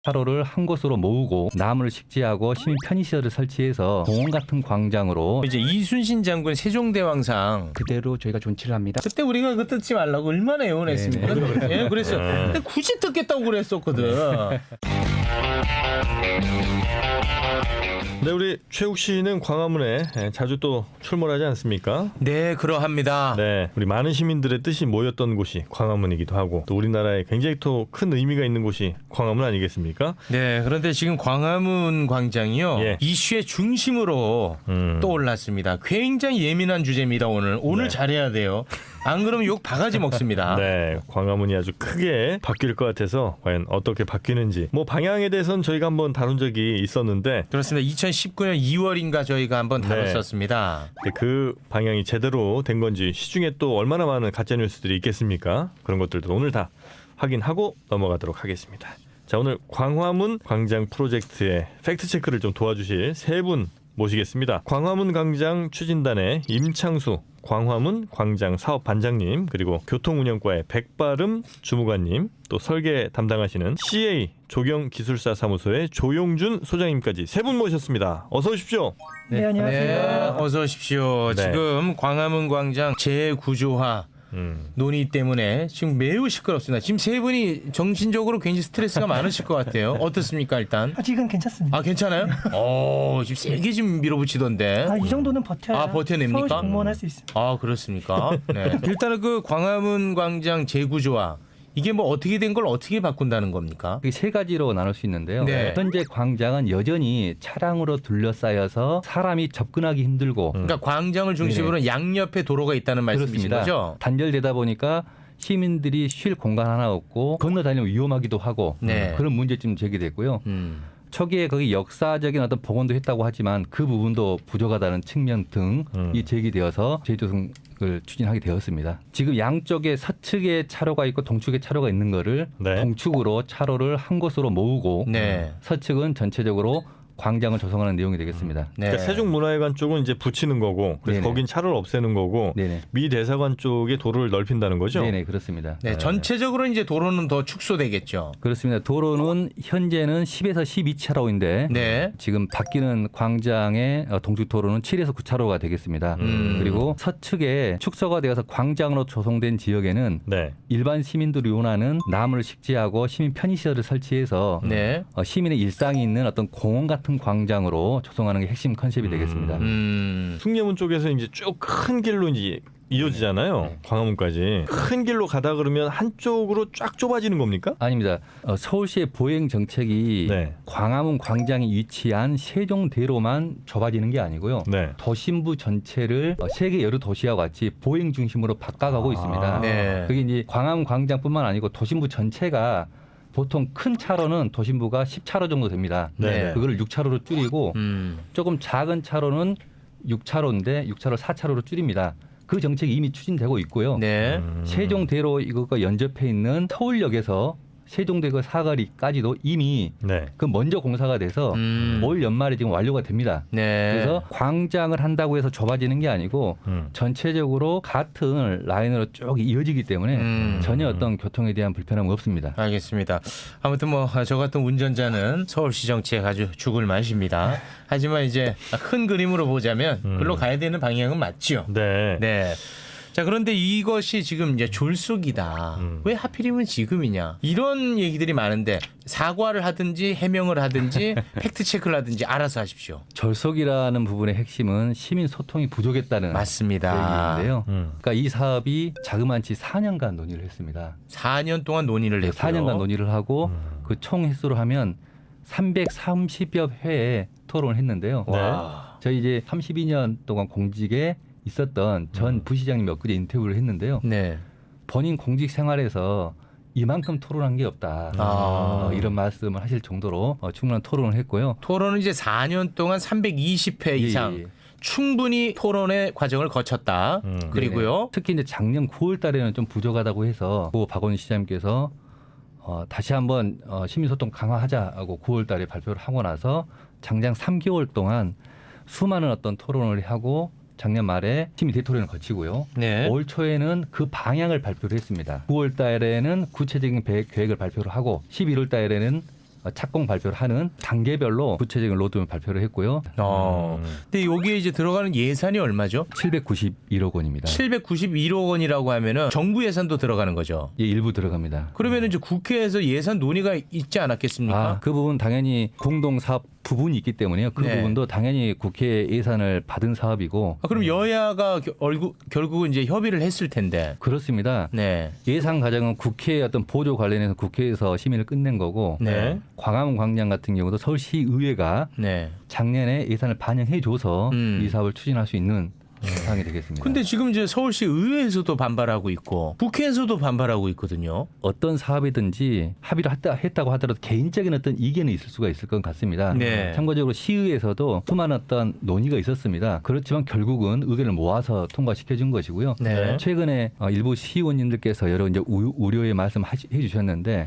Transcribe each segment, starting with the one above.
차로를 한 곳으로 모으고 나무를 식지하고 시민 편의시설을 설치해서 공원 같은 광장으로 이제 이순신 장군 세종대왕상 그대로 저희가 존치를 합니다. 그때 우리가 그 뜯지 말라고 얼마나 애원했습니까? 예, 그랬어요. 근데 굳이 뜯겠다고 그랬었거든. 네, 우리 최욱 씨는 광화문에 자주 또 출몰하지 않습니까? 네, 그러합니다. 네, 우리 많은 시민들의 뜻이 모였던 곳이 광화문이기도 하고 또 우리나라에 굉장히 또 큰 의미가 있는 곳이 광화문 아니겠습니까? 네, 그런데 지금 광화문 광장이요. 예. 이슈의 중심으로 떠올랐습니다. 굉장히 예민한 주제입니다, 오늘. 오늘 네. 잘해야 돼요. 안 그러면 욕 바가지 먹습니다. 네, 광화문이 아주 크게 바뀔 것 같아서 과연 어떻게 바뀌는지 뭐 방향에 대해서는 저희가 한번 다룬 적이 있었는데 그렇습니다. 2019년 2월인가 저희가 한번 다뤘었습니다. 그 방향이 제대로 된 건지 시중에 또 얼마나 많은 가짜 뉴스들이 있겠습니까? 그런 것들도 오늘 다 확인하고 넘어가도록 하겠습니다. 자, 오늘 광화문 광장 프로젝트의 팩트 체크를 좀 도와주실 세 분 모시겠습니다. 광화문 광장 추진단의 임창수 광화문 광장 사업 반장님, 그리고 교통운영과의 백바름 주무관님, 또 설계 담당하시는 CA 조경기술사 사무소의 조용준 소장님까지 세 분 모셨습니다. 어서 오십시오. 네, 안녕하세요. 네, 어서 오십시오. 네. 지금 광화문 광장 재구조화 논의 때문에 지금 매우 시끄럽습니다. 지금 세 분이 정신적으로 굉장히 스트레스가 많으실 것 같아요. 어떻습니까, 일단? 아직은 괜찮습니다. 아, 괜찮아요? 지금 세게 지금 밀어붙이던데. 이 정도는 버텨야 버텨냅니까? 서울시 공무원 할 수 있습니다. 아, 그렇습니까? 네. 일단은 그 광화문 광장 재구조화 이게 뭐 어떻게 된 걸 어떻게 바꾼다는 겁니까? 이게 세 가지로 나눌 수 있는데요. 네. 현재 광장은 여전히 차량으로 둘러싸여서 사람이 접근하기 힘들고 그러니까 광장을 중심으로 양옆에 도로가 있다는 말씀이신 그렇습니다. 거죠? 단절되다 보니까 시민들이 쉴 공간 하나 없고 건너다니면 위험하기도 하고 네. 그런 문제점 제기됐고요. 초기에 거기 역사적인 어떤 복원도 했다고 하지만 그 부분도 부족하다는 측면 등이 제기되어서 재조성을 추진하게 되었습니다. 지금 양쪽에 서측에 차로가 있고 동측에 차로가 있는 거를 네. 동측으로 차로를 한 곳으로 모으고 네. 서측은 전체적으로 광장을 조성하는 내용이 되겠습니다. 네. 그러니까 세종문화회관 쪽은 이제 붙이는 거고, 그래서 네네. 거긴 차를 없애는 거고, 네네. 미 대사관 쪽에 도로를 넓힌다는 거죠. 네네, 그렇습니다. 네, 전체적으로 이제 도로는 더 축소되겠죠. 그렇습니다. 도로는 현재는 10에서 12차로인데 네. 지금 바뀌는 광장의 동쪽 도로는 7에서 9차로가 되겠습니다. 그리고 서측에 축소가 되어서 광장으로 조성된 지역에는 네. 일반 시민들이 원하는 나무를 식지하고 시민 편의시설을 설치해서 네. 시민의 일상이 있는 어떤 공원 같은 광장으로 조성하는 게 핵심 컨셉이 되겠습니다. 숭례문 쪽에서 이제 쭉 큰 길로 이제 이어지잖아요. 광화문까지 큰 길로 가다 그러면 한쪽으로 쫙 좁아지는 겁니까? 아닙니다. 서울시의 보행 정책이 네. 광화문 광장에 위치한 세종대로만 좁아지는 게 아니고요. 네. 도심부 전체를 세계 여러 도시와 같이 보행 중심으로 바꿔가고 있습니다. 네. 그게 이제 광화문 광장뿐만 아니고 도심부 전체가 보통 큰 차로는 도심부가 10차로 정도 됩니다. 네. 그거를 6차로로 줄이고 조금 작은 차로는 6차로인데 6차로 4차로로 줄입니다. 그 정책이 이미 추진되고 있고요. 네. 세종대로 이것과 연접해 있는 서울역에서 세종대교 사거리까지도 이미 네. 그 먼저 공사가 돼서 올 연말에 지금 완료가 됩니다. 네. 그래서 광장을 한다고 해서 좁아지는 게 아니고 전체적으로 같은 라인으로 쭉 이어지기 때문에 전혀 어떤 교통에 대한 불편함은 없습니다. 알겠습니다. 아무튼 뭐 저 같은 운전자는 서울시 정치에 아주 죽을 맛입니다. 하지만 이제 큰 그림으로 보자면 글로 가야 되는 방향은 맞죠. 네. 네. 자, 그런데 이것이 지금 이제 졸속이다. 왜 하필이면 지금이냐. 이런 얘기들이 많은데 사과를 하든지 해명을 하든지 팩트 체크를 하든지 알아서 하십시오. 절속이라는 부분의 핵심은 시민 소통이 부족했다는 맞습니다. 얘기인데요. 그러니까 이 사업이 자그마치 4년간 논의를 했습니다. 4년 동안 논의를 했고요. 4년간 논의를 하고 그 총 횟수로 하면 330여 회의 토론을 했는데요. 와. 저희 이제 32년 동안 공직에 있었던 전 부시장님 엊그제 인터뷰를 했는데요. 네. 본인 공직 생활에서 이만큼 토론한 게 없다. 이런 말씀을 하실 정도로 충분한 토론을 했고요. 토론은 이제 4년 동안 320회 이상 예. 충분히 토론의 과정을 거쳤다. 그리고요. 특히 이제 작년 9월 달에는 좀 부족하다고 해서 고 박원순 시장님께서 다시 한번 시민소통 강화하자고 9월 달에 발표를 하고 나서 장장 3개월 동안 수많은 어떤 토론을 하고 작년 말에 시민 대토론을 거치고요. 네. 올 초에는 그 방향을 발표를 했습니다. 9월 달에는 구체적인 계획을 발표를 하고 11월 달에는 착공 발표를 하는 단계별로 구체적인 로드맵 발표를 했고요. 근데 여기에 이제 들어가는 예산이 얼마죠? 791억 원입니다. 791억 원이라고 하면은 정부 예산도 들어가는 거죠. 예, 일부 들어갑니다. 그러면은 이제 국회에서 예산 논의가 있지 않았겠습니까? 그 부분 당연히 공동사업 부분이 있기 때문에요. 그 네. 부분도 당연히 국회 예산을 받은 사업이고 그럼 여야가 결국은 이제 협의를 했을 텐데. 그렇습니다. 네. 예산 과정은 국회의 어떤 보조 관련해서 국회에서 심의를 끝낸 거고 네. 광화문 광장 같은 경우도 서울시의회가 네. 작년에 예산을 반영해줘서 음. 이 사업을 추진할 수 있는 상황이 되겠습니다. 근데 지금 이제 서울시 의회에서도 반발하고 있고 국회에서도 반발하고 있거든요. 어떤 사업이든지 합의를 했다고 하더라도 개인적인 어떤 이견이 있을 수가 있을 것 같습니다. 네. 참고적으로 시의회에서도 수많은 어떤 논의가 있었습니다. 그렇지만 결국은 의견을 모아서 통과시켜준 것이고요. 네. 최근에 일부 시의원님들께서 여러 이제 우려의 말씀해 주셨는데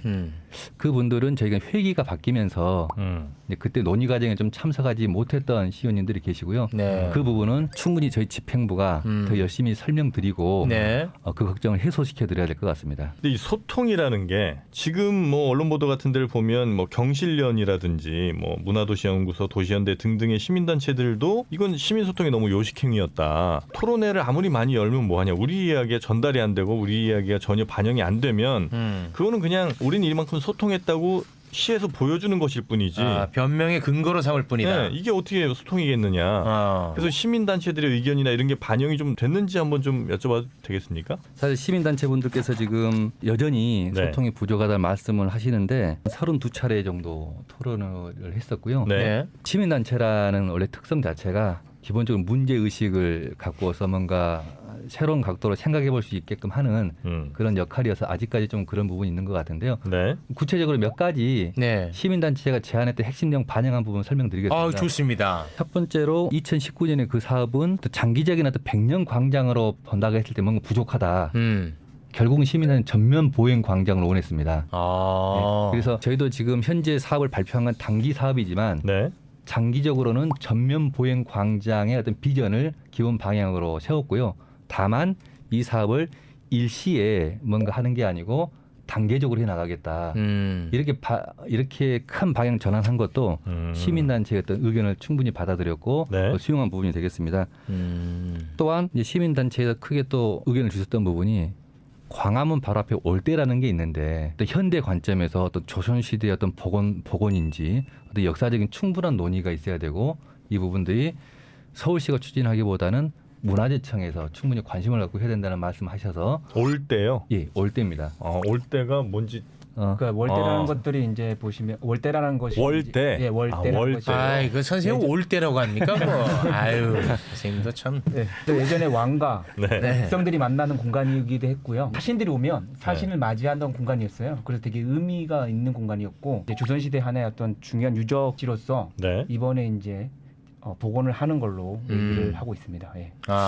그분들은 저희가 회기가 바뀌면서 이제 그때 논의 과정에 좀 참석하지 못했던 시의원님들이 계시고요. 네. 그 부분은 충분히 저희 집행부가 더 열심히 설명드리고 네. 그 걱정을 해소시켜 드려야 될 것 같습니다. 근데 이 소통이라는 게 지금 뭐 언론 보도 같은 데를 보면 뭐 경실련이라든지 뭐 문화도시연구소, 도시연대 등등의 시민단체들도 이건 시민소통이 너무 요식행위였다. 토론회를 아무리 많이 열면 뭐하냐. 우리 이야기가 전달이 안 되고 우리 이야기가 전혀 반영이 안 되면 그거는 그냥 우린 이만큼 소통했다고 시에서 보여주는 것일 뿐이지. 변명의 근거로 삼을 뿐이다. 네, 이게 어떻게 소통이겠느냐. 그래서 시민단체들의 의견이나 이런 게 반영이 좀 됐는지 한번 좀 여쭤봐도 되겠습니까? 사실 시민단체분들께서 지금 여전히 네. 소통이 부족하다는 말씀을 하시는데 32차례 정도 토론을 했었고요. 네. 네. 시민단체라는 원래 특성 자체가 기본적으로 문제의식을 갖고서 뭔가 새로운 각도로 생각해 볼 수 있게끔 하는 그런 역할이어서 아직까지 좀 그런 부분이 있는 것 같은데요. 네. 구체적으로 몇 가지 네. 시민단체가 제안했던 핵심 내용 반영한 부분 설명드리겠습니다. 좋습니다. 첫 번째로 2019년에 그 사업은 또 장기적인 어떤 100년 광장으로 본다고 했을 때 뭔가 부족하다. 결국은 시민단체 전면 보행 광장을 원했습니다. 네. 그래서 저희도 지금 현재 사업을 발표한 건 단기 사업이지만 네. 장기적으로는 전면 보행 광장의 어떤 비전을 기본 방향으로 세웠고요. 다만 이 사업을 일시에 뭔가 하는 게 아니고 단계적으로 해나가겠다. 이렇게 큰 방향 전환한 것도 시민단체의 어떤 의견을 충분히 받아들였고 네. 수용한 부분이 되겠습니다. 또한 이제 시민단체에서 크게 또 의견을 주셨던 부분이 광화문 바로 앞에 올대라는 게 있는데 또 현대 관점에서 어떤 조선시대의 어떤 복원인지 어떤 역사적인 충분한 논의가 있어야 되고 이 부분들이 서울시가 추진하기보다는 문화재청에서 충분히 관심을 갖고 해야 된다는 말씀하셔서 올 때요. 예, 올대입니다. 올 때가 뭔지 그러니까 월대라는 것들이 이제 보시면 월대라는 것이 월대? 예, 월대라는 월대. 것이. 그 선생님 올 때라고 합니까? 아유, 선생님도 참. 네. 또 예전에 왕과 네. 백성들이 만나는 공간이기도 했고요. 사신들이 오면 사신을 맞이하던 공간이었어요. 그래서 되게 의미가 있는 공간이었고 이제 조선시대 하나의 어떤 중요한 유적지로서 네. 이번에 이제 복원을 하는 걸로 얘기를 하고 있습니다. 예.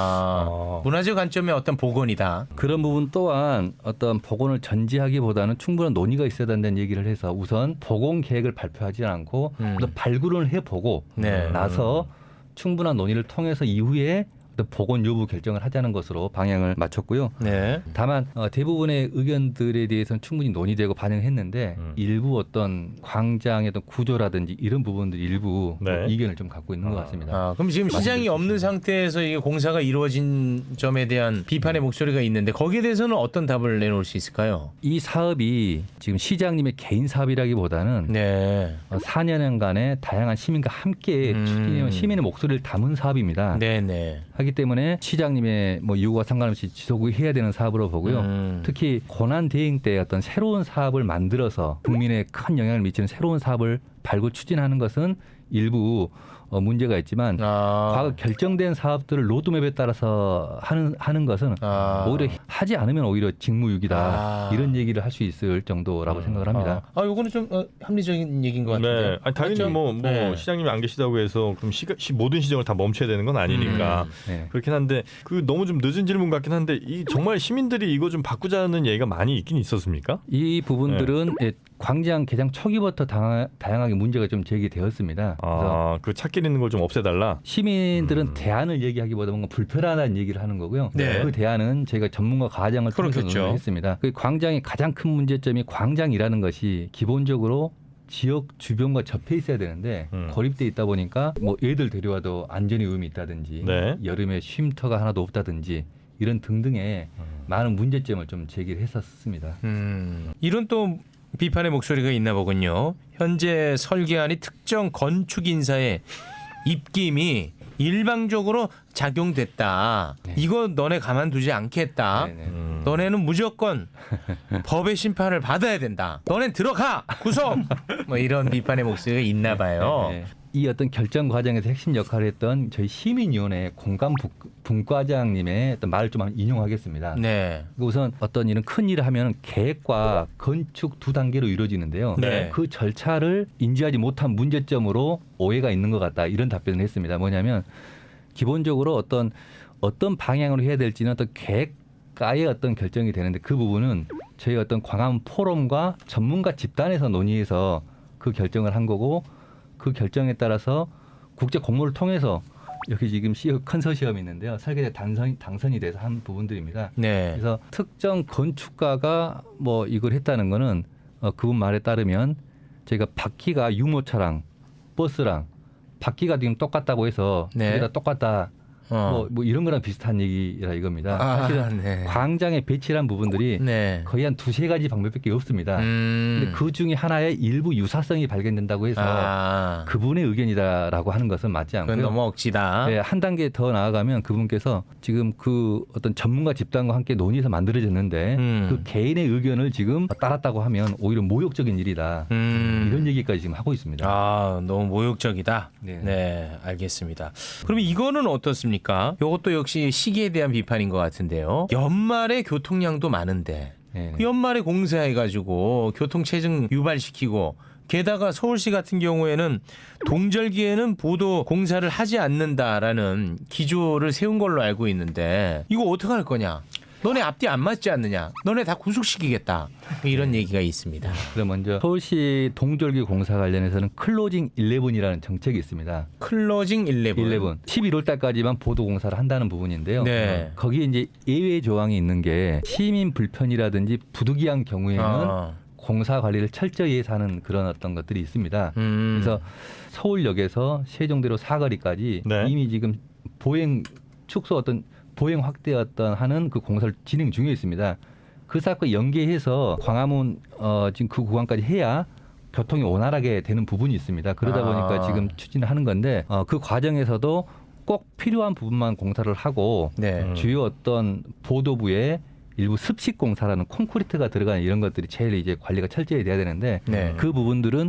문화재 관점의 어떤 복원이다. 그런 부분 또한 어떤 복원을 전제하기보다는 충분한 논의가 있어야 된다는 얘기를 해서 우선 복원 계획을 발표하지 않고 또 발굴을 해보고 네. 나서 충분한 논의를 통해서 이후에 복원 여부 결정을 하자는 것으로 방향을 맞췄고요. 네. 다만 대부분의 의견들에 대해서는 충분히 논의되고 반영했는데 일부 어떤 광장의 어떤 구조라든지 이런 부분들 일부 네. 이견을 좀 갖고 있는 것 같습니다. 그럼 지금 시장이 없는 상태에서 이게 공사가 이루어진 점에 대한 비판의 목소리가 있는데 거기에 대해서는 어떤 답을 내놓을 수 있을까요? 이 사업이 지금 시장님의 개인 사업이라기보다는 네. 4년간의 다양한 시민과 함께 추진해온 시민의 목소리를 담은 사업입니다. 네네. 하기 때문에 시장님의 뭐 요구와 상관없이 지속해야 되는 사업으로 보고요. 특히 고난 대행 때 어떤 새로운 사업을 만들어서 국민에 큰 영향을 미치는 새로운 사업을 발굴 추진하는 것은 일부 문제가 있지만 과거 결정된 사업들을 로드맵에 따라서 하는 것은 오히려 하지 않으면 오히려 직무유기다 이런 얘기를 할 수 있을 정도라고 생각을 합니다. 요거는 좀 합리적인 얘기인 것 같은데. 네. 아니, 당연히 맞죠? 뭐 네. 시장님이 안 계시다고 해서 그럼 모든 시정을 다 멈춰야 되는 건 아니니까 네. 그렇긴 한데 그 너무 좀 늦은 질문 같긴 한데 이 정말 시민들이 이거 좀 바꾸자는 얘기가 많이 있긴 있었습니까? 이 부분들은 광장 개장 초기부터 다양하게 문제가 좀 제기되었습니다. 그래서 그 찾길 있는 걸 좀 없애달라. 시민들은 대안을 얘기하기보다 뭔가 불편하다는 얘기를 하는 거고요. 네. 그 대안은 저희가 전문가 과장을 통해서 그렇겠죠. 논의했습니다. 그 광장의 가장 큰 문제점이 광장이라는 것이 기본적으로 지역 주변과 접해 있어야 되는데 고립돼 있다 보니까 뭐 애들 데려와도 안전의 의미 있다든지 네. 여름에 쉼터가 하나도 없다든지 이런 등등의 많은 문제점을 좀 제기를 했었습니다. 이런 또 비판의 목소리가 있나 보군요. 현재 설계안이 특정 건축 인사의 입김이 일방적으로 작용됐다. 네. 이거 너네 가만두지 않겠다. 네네. 너네는 무조건 법의 심판을 받아야 된다. 너넨 들어가 구속. 뭐 이런 비판의 목소리가 있나 봐요. 네. 이 어떤 결정 과정에서 핵심 역할을 했던 저희 시민위원회 공감 분과장님의 어떤 말을 좀 인용하겠습니다. 네. 우선 어떤 이런 큰 일을 하면 계획과 건축 두 단계로 이루어지는데요. 네. 그 절차를 인지하지 못한 문제점으로 오해가 있는 것 같다. 이런 답변을 했습니다. 뭐냐면 기본적으로 어떤 방향으로 해야 될지는 어떤 계획가의 어떤 결정이 되는데 그 부분은 저희 어떤 광화문 포럼과 전문가 집단에서 논의해서 그 결정을 한 거고 그 결정에 따라서 국제 공모를 통해서 여기 지금 컨소시엄이 있는데요. 설계자 당선이 돼서 한 부분들입니다. 네. 그래서 특정 건축가가 뭐 이걸 했다는 거는 그분 말에 따르면 저희가 바퀴가 유모차랑 버스랑 바퀴가 지금 똑같다고 해서 네. 그게 다 똑같다. 뭐 이런 거랑 비슷한 얘기라 이겁니다. 사실은 네. 광장에 배치한 부분들이 네. 거의 한 두세 가지 방법밖에 없습니다. 근데 그 중에 하나의 일부 유사성이 발견된다고 해서 그분의 의견이다라고 하는 것은 맞지 않고요. 그건 너무 억지다. 네, 한 단계 더 나아가면 그분께서 지금 그 어떤 전문가 집단과 함께 논의해서 만들어졌는데 그 개인의 의견을 지금 따랐다고 하면 오히려 모욕적인 일이다. 이런 얘기까지 지금 하고 있습니다. 아, 너무 모욕적이다. 네. 네, 알겠습니다. 그러면 이거는 어떻습니까? 이것도 역시 시기에 대한 비판인 것 같은데요. 연말에 교통량도 많은데 네. 연말에 공사해가지고 교통체증 유발시키고 게다가 서울시 같은 경우에는 동절기에는 보도 공사를 하지 않는다라는 기조를 세운 걸로 알고 있는데 이거 어떻게 할 거냐? 너네 앞뒤 안 맞지 않느냐? 너네 다 구속시키겠다. 이런 얘기가 있습니다. 그럼 먼저 서울시 동절기 공사 관련해서는 클로징 11이라는 정책이 있습니다. 클로징 11. 11월 달까지만 보도 공사를 한다는 부분인데요. 네. 거기에 이제 예외 조항이 있는 게 시민 불편이라든지 부득이한 경우에는 공사 관리를 철저히 해서 하는 그런 어떤 것들이 있습니다. 그래서 서울역에서 세종대로 사거리까지 네. 이미 지금 보행 축소 어떤 보행 확대 어떤 하는 그 공사를 진행 중에 있습니다. 그 사건과 연계해서 광화문 지금 그 구간까지 해야 교통이 원활하게 되는 부분이 있습니다. 그러다 보니까 지금 추진을 하는 건데 그 과정에서도 꼭 필요한 부분만 공사를 하고 네. 주요 어떤 보도부에 일부 습식 공사라는 콘크리트가 들어가는 이런 것들이 제일 이제 관리가 철저히 돼야 되는데 네. 그 부분들은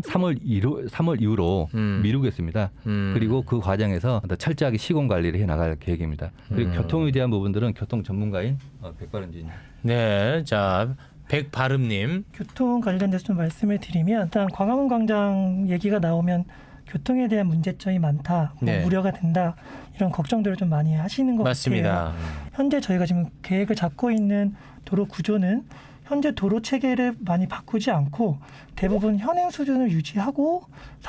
3월 이후로 미루겠습니다. 그리고 그 과정에서 더 철저하게 시공 관리를 해 나갈 계획입니다. 그리고 교통에 대한 부분들은 교통 전문가인 백바른진. 네, 자 백바름님. 교통 관련돼서 좀 말씀을 드리면 일단 광화문 광장 얘기가 나오면 교통에 대한 문제점이 많다, 뭐 네. 우려가 된다 이런 걱정들을 좀 많이 하시는 것 같아요. 맞습니다. 현재 저희가 지금 계획을 잡고 있는 도로 구조는 현재 도로 체계를 많이 바꾸지 않고 대부분 현행 수준을 유지하고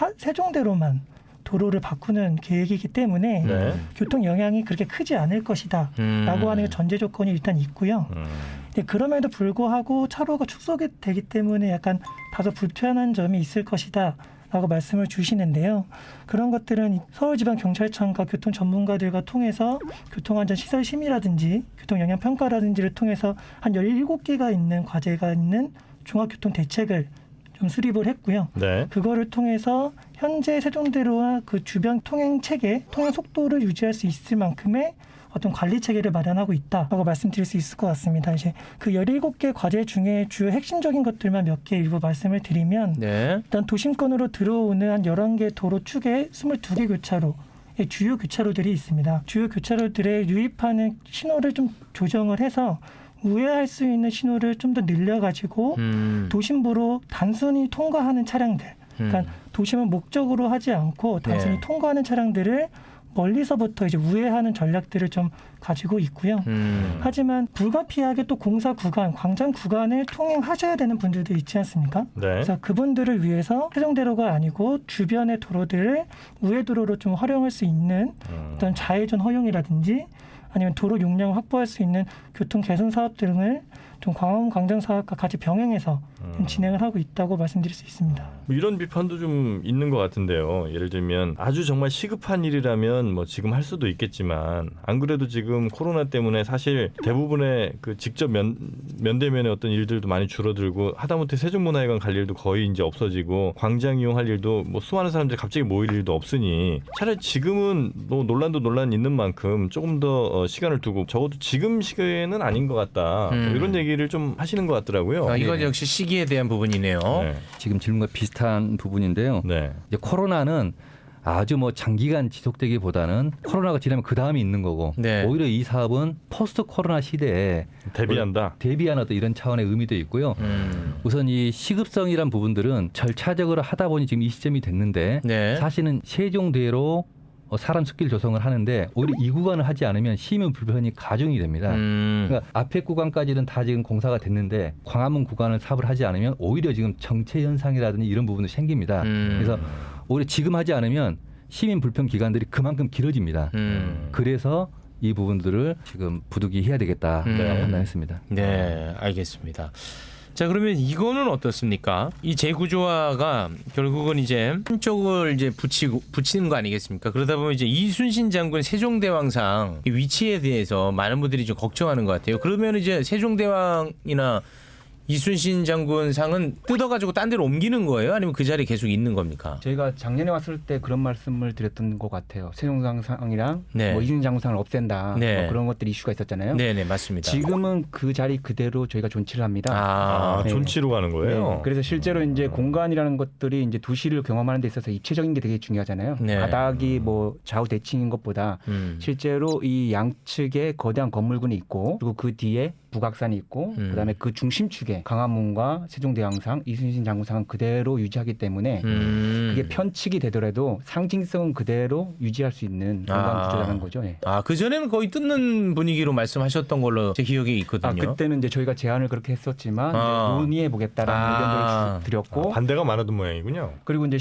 세종대로만 도로를 바꾸는 계획이기 때문에 네. 교통 영향이 그렇게 크지 않을 것이다 라고 하는 전제 조건이 일단 있고요. 근데 그럼에도 불구하고 차로가 축소되기 때문에 약간 다소 불편한 점이 있을 것이다 라고 말씀을 주시는데요. 그런 것들은 서울지방경찰청과 교통 전문가들과 통해서 교통안전시설심의라든지 교통영향평가라든지를 통해서 한 17개가 있는 과제가 있는 종합교통대책을 좀 수립을 했고요. 네. 그거를 통해서 현재 세종대로와 그 주변 통행 체계, 통행 속도를 유지할 수 있을 만큼의 어떤 관리 체계를 마련하고 있다라고 말씀드릴 수 있을 것 같습니다. 이제 그 17개 과제 중에 주요 핵심적인 것들만 몇 개 일부 말씀을 드리면 네. 일단 도심권으로 들어오는 한 11개 도로 축에 22개 교차로 주요 교차로들이 있습니다. 주요 교차로들에 유입하는 신호를 좀 조정을 해서 우회할 수 있는 신호를 좀 더 늘려가지고 도심부로 단순히 통과하는 차량들, 그러니까 도심을 목적으로 하지 않고 단순히 네. 통과하는 차량들을 멀리서부터 이제 우회하는 전략들을 좀 가지고 있고요. 하지만 불가피하게 또 공사 구간, 광장 구간을 통행하셔야 되는 분들도 있지 않습니까? 네. 그래서 그분들을 위해서 세종대로가 아니고 주변의 도로들을 우회도로로 좀 활용할 수 있는 어떤 좌회전 허용이라든지 아니면 도로 용량을 확보할 수 있는 교통 개선 사업 등을 좀 광화문 광장 사업과 같이 병행해서 좀 진행을 하고 있다고 말씀드릴 수 있습니다. 뭐 이런 비판도 좀 있는 것 같은데요. 예를 들면 아주 정말 시급한 일이라면 뭐 지금 할 수도 있겠지만 안 그래도 지금 코로나 때문에 사실 대부분의 그 직접 면대면의 어떤 일들도 많이 줄어들고 하다못해 세종문화회관 갈 일도 거의 이제 없어지고 광장 이용할 일도 뭐 수많은 사람들이 갑자기 모일 일도 없으니 차라리 지금은 뭐 논란도 논란 있는 만큼 조금 더 시간을 두고 적어도 지금 시기에는 아닌 것 같다. 뭐 이런 얘기를 좀 하시는 것 같더라고요. 이건 역시 시기에 대한 부분이네요. 네. 지금 질문과 비슷한 부분인데요. 네. 이제 코로나는 아주 뭐 장기간 지속되기보다는 코로나가 지나면 그 다음이 있는 거고 네. 오히려 이 사업은 포스트 코로나 시대에 대비한다. 대비하는 어떤 이런 차원의 의미도 있고요. 우선 이 시급성이란 부분들은 절차적으로 하다 보니 지금 이 시점이 됐는데 네. 사실은 세종대로 사람 숲길 조성을 하는데 오히려 이 구간을 하지 않으면 시민 불편이 가중이 됩니다. 그러니까 앞에 구간까지는 다 지금 공사가 됐는데 광화문 구간을 사업을 하지 않으면 오히려 지금 정체 현상이라든지 이런 부분도 생깁니다. 그래서 오히려 지금 하지 않으면 시민 불편 기간들이 그만큼 길어집니다. 그래서 이 부분들을 지금 부득이 해야 되겠다 판단했습니다. 네, 알겠습니다. 자, 그러면 이거는 어떻습니까? 이 재구조화가 결국은 이제 한쪽을 이제 붙이는 거 아니겠습니까? 그러다 보면 이제 이순신 장군 세종대왕상 이 위치에 대해서 많은 분들이 좀 걱정하는 것 같아요. 그러면 이제 세종대왕이나 이순신 장군 상은 뜯어가지고 딴 데로 옮기는 거예요? 아니면 그 자리에 계속 있는 겁니까? 저희가 작년에 왔을 때 그런 말씀을 드렸던 것 같아요. 세종상이랑 네. 뭐 이순신 장군상을 없앤다. 네. 뭐 그런 것들이 이슈가 있었잖아요. 네네, 맞습니다. 지금은 그 자리 그대로 저희가 존치를 합니다. 아, 네. 존치로 가는 거예요. 네. 그래서 실제로 이제 공간이라는 것들이 이제 도시를 경험하는 데 있어서 입체적인 게 되게 중요하잖아요. 네. 바닥이 뭐 좌우 대칭인 것보다 실제로 이 양측에 거대한 건물군이 있고 그리고 그 뒤에 북악산이 있고 그다음에 그 중심축에 강화문과 세종대왕상, 이순신 장군상은 그대로 유지하기 때문에 그게 편측이 되더라도 상징성은 그대로 유지할 수 있는 공간 구조라는 거죠. 예. 그 전에는 거의 뜯는 분위기로 말씀하셨던 걸로 제 기억에 있거든요. 그때는 이제 저희가 제안을 그렇게 했었지만 이제 논의해 보겠다라는 의견들을 드렸고 반대가 많았던 모양이군요. 그리고 이제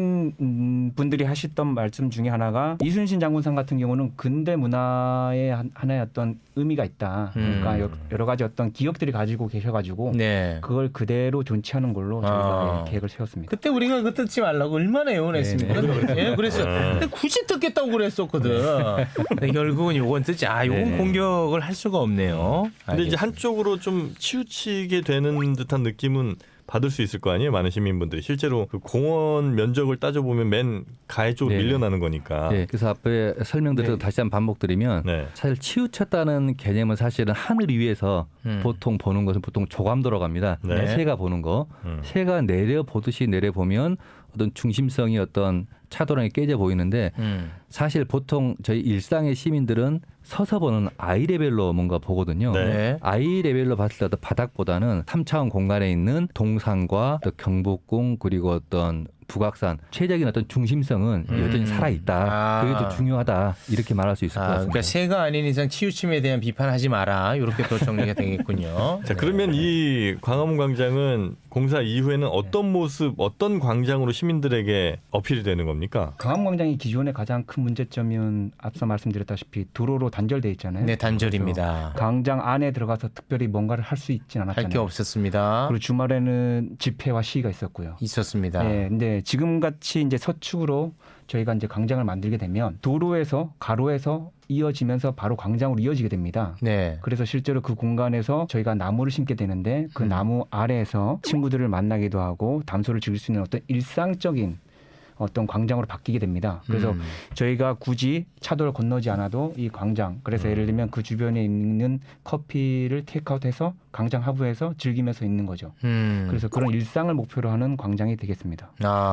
시민 분들이 하셨던 말씀 중에 하나가 이순신 장군상 같은 경우는 근대 문화의 하나의 어떤 의미가 있다. 그러니까 여러 가지 어떤 기억들이 가지고 계셔가지고 네. 그걸 그대로 존치하는 걸로 저희가 계획을 세웠습니다. 그때 우리가 그 뜯지 말라고 얼마나 애원했습니까? 예, 그랬어요. 근데 굳이 뜯겠다고 그랬었거든. 근데 결국은 요건 뜯지. 요건 공격을 할 수가 없네요. 근데 이제 알겠습니다. 한쪽으로 좀 치우치게 되는 듯한 느낌은 받을 수 있을 거 아니에요, 많은 시민분들이. 실제로 그 공원 면적을 따져보면 맨 가해 쪽으로 네. 밀려나는 거니까. 네, 그래서 앞에 설명드려도 다시 한번 반복드리면 네. 사실 치우쳤다는 개념은 사실은 하늘 위에서 보통 보는 것은 보통 조감도로 갑니다. 네. 새가 보는 거. 새가 내려 보듯이 내려 보면 어떤 중심성이 어떤 차도랑이 깨져 보이는데 사실 보통 저희 일상의 시민들은 서서 보는 아이 레벨로 뭔가 보거든요. 네. 아이 레벨로 봤을 때도 바닥보다는 3차원 공간에 있는 동산과 또 경복궁 그리고 어떤 북악산 최적인 어떤 중심성은 여전히 살아있다. 그게 더 중요하다. 이렇게 말할 수 있을 것 같습니다. 그러니까 새가 아닌 이상 치우침에 대한 비판하지 마라. 이렇게 또 정리가 되겠군요. 자, 그러면 이 광화문 광장은 공사 이후에는 어떤 모습, 어떤 광장으로 시민들에게 어필이 되는 겁니까? 강암광장이 기존의 가장 큰 문제점은 앞서 말씀드렸다시피 도로로 단절돼 있잖아요. 네, 단절입니다. 광장 안에 들어가서 특별히 뭔가를 할 수 있진 않았잖아요. 할 게 없었습니다. 그리고 주말에는 집회와 시위가 있었고요. 있었습니다. 네, 근데 지금 같이 이제 서축으로 저희가 이제 광장을 만들게 되면 도로에서 가로에서 이어지면서 바로 광장으로 이어지게 됩니다. 네. 그래서 실제로 그 공간에서 저희가 나무를 심게 되는데 그 나무 아래에서 친구들을 만나기도 하고 담소를 즐길 수 있는 어떤 일상적인 어떤 광장으로 바뀌게 됩니다. 그래서 저희가 굳이 차도를 건너지 않아도 이 광장, 그래서 예를 들면 그 주변에 있는 커피를 테이크아웃해서 광장 하부에서 즐기면서 있는 거죠. 그래서 그런 일상을 목표로 하는 광장이 되겠습니다.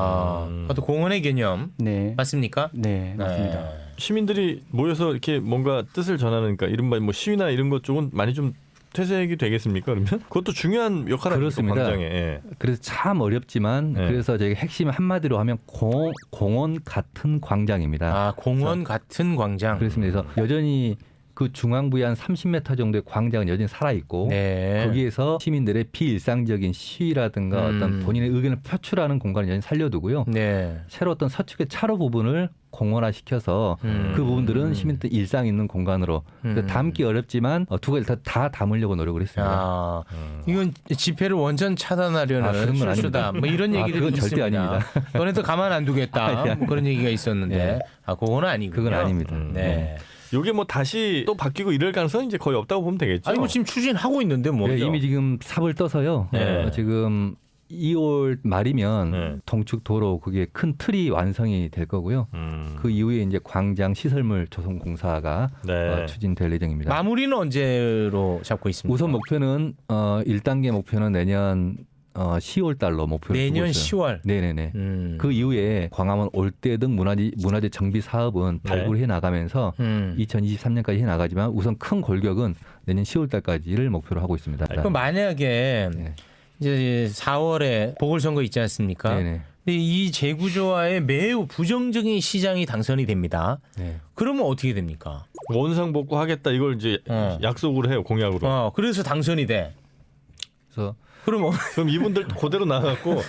또 공원의 개념 네, 맞습니까? 네, 맞습니다. 네. 시민들이 모여서 이렇게 뭔가 뜻을 전하는, 그러니까 이른바 뭐 시위나 이런 것 쪽은 많이 좀 퇴색이 되겠습니까? 그러면 그것도 중요한 역할을 하죠, 그렇습니다. 광장에. 예. 그래서 참 어렵지만 네. 그래서 저희가 핵심 한마디로 하면 공원 같은 광장입니다. 공원 같은 광장. 그렇습니다. 그래서 여전히 그 중앙부에 한 30m 정도의 광장은 여전히 살아 있고 네. 거기에서 시민들의 비일상적인 시위라든가 어떤 본인의 의견을 표출하는 공간을 여전히 살려두고요. 네. 새로 어떤 서측의 차로 부분을 공원화시켜서 그 부분들은 시민들 일상 있는 공간으로 담기 어렵지만 두 가지 다 담으려고 노력을 했습니다. 아, 이건 집회를 원전 차단하려는 그런 건 실수다. 아닙니다. 뭐 이런 얘기들이 그건 있습니다. 절대 아닙니다. 너네도 가만 안 두겠다. 뭐 그런 얘기가 있었는데, 네. 그건 아니고요. 그건 아닙니다. 네. 요게 뭐 다시 또 바뀌고 이럴 가능성은 이제 거의 없다고 보면 되겠죠. 아니 뭐 지금 추진하고 있는데 뭐. 네, 이미 지금 삽을 떠서요. 네. 지금 2월 말이면 네. 동축 도로 그게 큰 틀이 완성이 될 거고요. 그 이후에 이제 광장 시설물 조성 공사가 네. 추진될 예정입니다. 마무리는 언제로 잡고 있습니까? 우선 목표는 1단계 목표는 내년 10월 달로 목표를 내년 두고 있어요. 10월. 네네네. 음. 그 이후에 광화문 올대 등 문화재 정비 사업은 네. 발굴해 나가면서 2023년까지 해 나가지만 우선 큰 골격은 내년 10월 달까지를 목표로 하고 있습니다. 그럼 만약에 네. 이제 4월에 보궐선거 있지 않습니까? 네네. 근데 이 재구조화에 매우 부정적인 시장이 당선이 됩니다. 네. 그러면 어떻게 됩니까? 원상복구 하겠다 이걸 이제 약속으로 해요, 공약으로. 그래서 당선이 돼. 그래서 그럼 그럼 이분들 그대로 나가고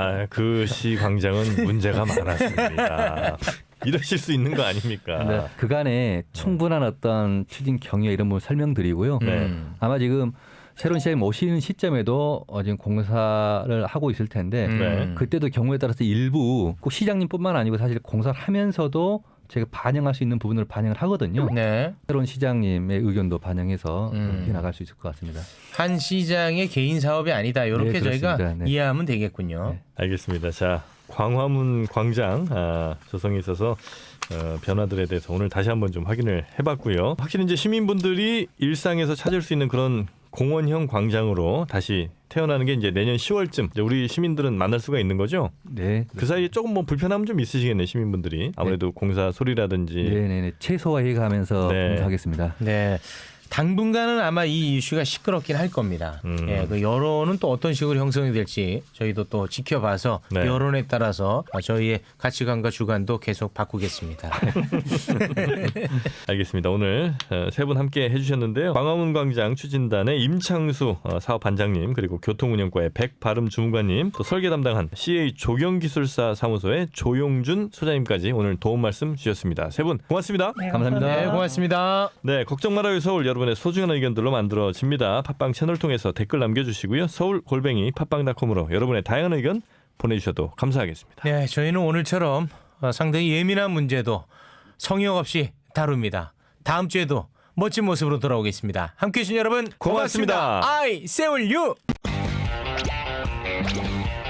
그 시 광장은 문제가 많았습니다. 이러실 수 있는 거 아닙니까? 네. 그간에 충분한 어떤 추진 경위 이런 부분 설명드리고요. 네. 아마 지금 새로운 시장이 오시는 시점에도 지금 공사를 하고 있을 텐데 네. 그때도 경우에 따라서 일부 꼭 시장님뿐만 아니고 사실 공사를 하면서도 저희가 반영할 수 있는 부분을 반영을 하거든요. 네. 새로운 시장님의 의견도 반영해서 해 나갈 수 있을 것 같습니다. 한 시장의 개인 사업이 아니다. 이렇게 네, 저희가 그렇습니다. 네. 이해하면 되겠군요. 네. 알겠습니다. 자, 광화문 광장 조성에 있어서 변화들에 대해서 오늘 다시 한번 좀 확인을 해봤고요. 확실히 이제 시민분들이 일상에서 찾을 수 있는 그런 공원형 광장으로 다시 태어나는 게 이제 내년 10월쯤 이제 우리 시민들은 만날 수가 있는 거죠. 네. 그 사이에 조금 뭐 불편함 좀 있으시겠네요, 시민분들이. 아무래도 공사 소리라든지. 네네네. 최소화해 가면서 네. 공사하겠습니다. 네. 당분간은 아마 이 이슈가 시끄럽긴 할 겁니다. 예, 그 여론은 또 어떤 식으로 형성이 될지 저희도 또 지켜봐서 네. 여론에 따라서 저희의 가치관과 주관도 계속 바꾸겠습니다. 알겠습니다. 오늘 세 분 함께 해주셨는데요. 광화문 광장 추진단의 임창수 사업반장님, 그리고 교통운영과의 백바름 주무관님, 또 설계 담당한 CA 조경기술사 사무소의 조용준 소장님까지 오늘 도움 말씀 주셨습니다. 세 분 고맙습니다. 네, 감사합니다. 네, 고맙습니다. 네, 걱정 말아요 서울, 여러분의 소중한 의견들로 만들어집니다. 팟빵 채널 통해서 댓글 남겨주시고요. 서울@팟빵닷컴으로 여러분의 다양한 의견 보내주셔도 감사하겠습니다. 네, 저희는 오늘처럼 상당히 예민한 문제도 성역 없이 다룹니다. 다음 주에도 멋진 모습으로 돌아오겠습니다. 함께해 주신 여러분 고맙습니다. 고맙습니다. I 세울 유.